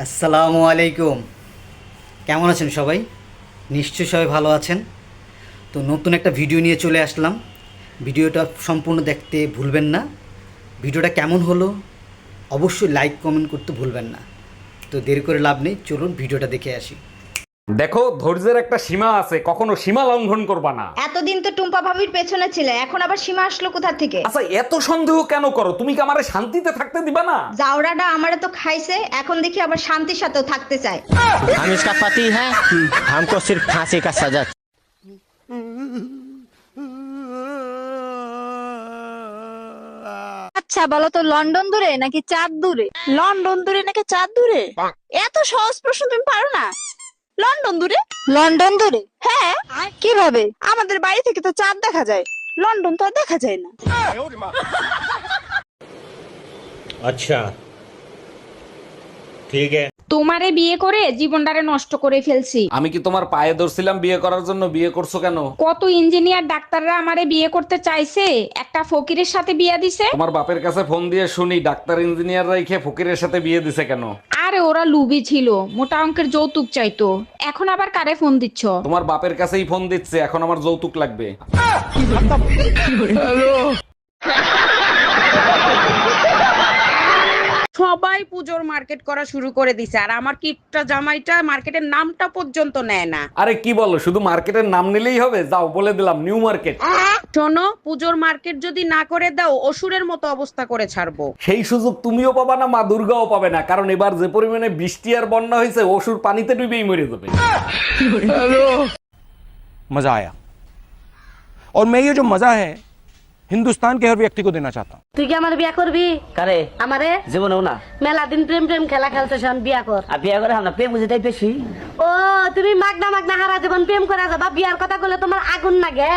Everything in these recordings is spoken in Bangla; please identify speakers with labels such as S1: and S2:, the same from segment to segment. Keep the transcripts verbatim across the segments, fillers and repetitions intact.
S1: আসসালামু আলাইকুম। কেমন আছেন সবাই? নিশ্চয়ই সবাই ভালো আছেন। তো নতুন একটা ভিডিও নিয়ে চলে আসলাম। ভিডিওটা সম্পূর্ণ দেখতে ভুলবেন না। ভিডিওটা কেমন হলো অবশ্যই লাইক কমেন্ট করতে ভুলবেন না। তো দেরি করে লাভ নেই, চলুন ভিডিওটা দেখে আসি।
S2: দেখো, ধৈর্যের একটা সীমা আছে, কখনো সীমা লঙ্ঘন করবা না।
S3: এতদিন তো টুম্পা ভাবির পেছনে ছিলে, এখন আবার সীমা আসলো কোথা থেকে?
S2: আচ্ছা, এত সন্দেহ কেন করো? তুমি কি আমারে শান্তিতে থাকতে দিবা না?
S3: জাউরাটা আমারে তো খাইছে, এখন দেখি আবার শান্তির সাথেও থাকতে চায়।
S4: हम इसका पति है, हमको सिर्फ फांसी का सजा।
S5: আচ্ছা বলো তো, লন্ডন দূরে নাকি চাঁদ দূরে?
S6: লন্ডন দূরে নাকি চাঁদ দূরে? এত সহজ প্রশ্ন তুমি পারো না? লন্ডন দূরে।
S5: লন্ডন দূরে?
S6: হ্যাঁ,
S5: কিভাবে?
S6: আমাদের বাড়ি থেকে তো চাঁদ দেখা যায়, লন্ডন তো আর দেখা যায় না।
S7: अच्छा ठीक है।
S8: তোমারে বিয়ে করে জীবনটারে নষ্ট করে ফেলছি।
S2: আমি কি তোমার পায়ে ধরছিলাম বিয়ে করার জন্য? বিয়ে করছো কেন?
S8: কত ইঞ্জিনিয়ার ডাক্তাররা আমারে বিয়ে করতে চাইছে, একটা ফকিরের সাথে বিয়ে দিছে।
S2: তোমার বাপের কাছে ফোন দিয়ে শুনি ডাক্তার ইঞ্জিনিয়ার রাইখে ফকিরের সাথে বিয়ে দিছে কেন?
S8: আরে ওরা লুবি ছিল, মোটা অঙ্কের যৌতুক চাইতো। এখন আবার কারে ফোন দিচ্ছ?
S2: তোমার বাপের কাছেই ফোন দিচ্ছে, এখন আমার যৌতুক লাগবে।
S9: সবাই পুজোর মার্কেট করা শুরু করে দিছে, আর আমার কিপটা জামাইটা মার্কেটের নামটা পর্যন্ত নেয় না।
S2: আরে কি বলো, শুধু মার্কেটের নাম নিলেই হবে? যাও, বলে দিলাম নিউ মার্কেট।
S9: শোনো, পুজোর মার্কেট যদি না করে দাও অসুরের মতো অবস্থা করে ছাড়বো।
S2: সেই সুযোগ তুমিও পাবা না, মা দুর্গাও পাবে না, কারণ এবার যে পরিমাণে বৃষ্টি আর বন্যা হয়েছে, অসুর পানিতে ডুবেই মরে যাবে।
S10: मजा आया और मैं ये जो मजा है हिंदुस्तान के हर व्यक्ति को देना चाहता हूँ।
S11: তুই কি আমার বিয়া করবি?
S4: करे
S11: আমারে
S4: জীবনেও না।
S11: মেলা দিন প্রেম প্রেম খেলা খেলতেছ, বিয়া কর।
S4: আর বিয়ে করে আমরা প্রেম বুঝেটাই বেশি।
S11: ও তুমি মাগনা মাগনা হারা জীবন প্রেম করে যাবা, বিয়ার কথা বলে তোমার আগুন লাগে।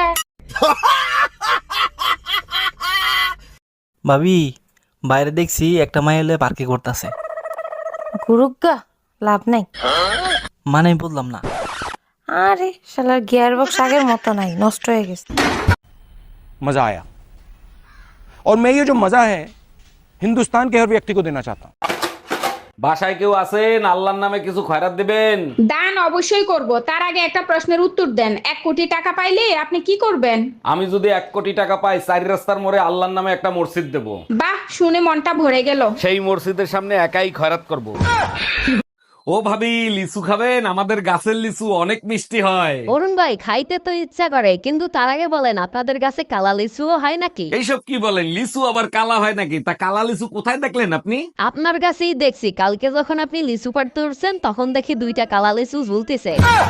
S12: ভাবি, বাইরে দেখছি একটা মাই এলে পার্কে করতেছে।
S5: গুরুগা লাভ নাই।
S12: মানে বললাম না।
S5: আরে শালার গিয়ার বক্স আগের মতো নাই, নষ্ট হয়ে গেছে।
S10: मजा आया और मैं ये जो मजा है हिंदुस्तान के हर व्यक्ति को देना चाहता हूँ।
S2: বাসায় কেউ আছেন? আল্লাহর নামে কিছু খয়রাত দিবেন।
S8: দান অবশ্যই করব, তার আগে একটা প্রশ্নের উত্তর দেন। এক কোটি টাকা পাইলে আপনি কি করবেন?
S2: আমি যদি এক কোটি টাকা পাই, চারি রাস্তার মোড়ে আল্লাহর নামে একটা মসজিদ দেব।
S8: বাহ, শুনে মনটা ভরে গেল।
S2: সেই মসজিদের সামনে একাই খয়রাত করব। ও ভাবি, লিচু খাবেন? আমাদের গাছের লিচু অনেক মিষ্টি হয়।
S11: অরুণ ভাই, খাইতে তো ইচ্ছা করে, কিন্তু তার আগে বলেন আপনাদের কাছে কালা লিচুও হয় নাকি?
S2: এইসব কি বলেন? লিচু আবার কালা হয় নাকি? তা কালা লিচু কোথায় দেখলেন আপনি?
S11: আপনার কাছেই দেখছি, কালকে যখন আপনি লিচু পাড়তে উঠছেন তখন দেখি দুইটা কালা লিচু ঝুলতেছে।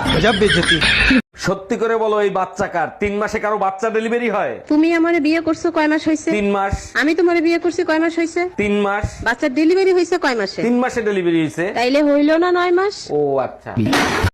S2: সত্যি করে বলো, এই বাচ্চা কার? তিন মাসে কারো বাচ্চা ডেলিভারি হয়?
S6: তুমি আমারে বিয়ে করছো কয় মাস হয়েছে?
S2: তিন মাস।
S6: আমি তোমারে বিয়ে করছি কয় মাস হয়েছে?
S2: তিন মাস।
S6: বাচ্চার ডেলিভারি হয়েছে কয় মাসে?
S2: তিন মাসে ডেলিভারি হয়েছে।
S6: তাইলে হইল না নয় মাস?
S2: ও আচ্ছা।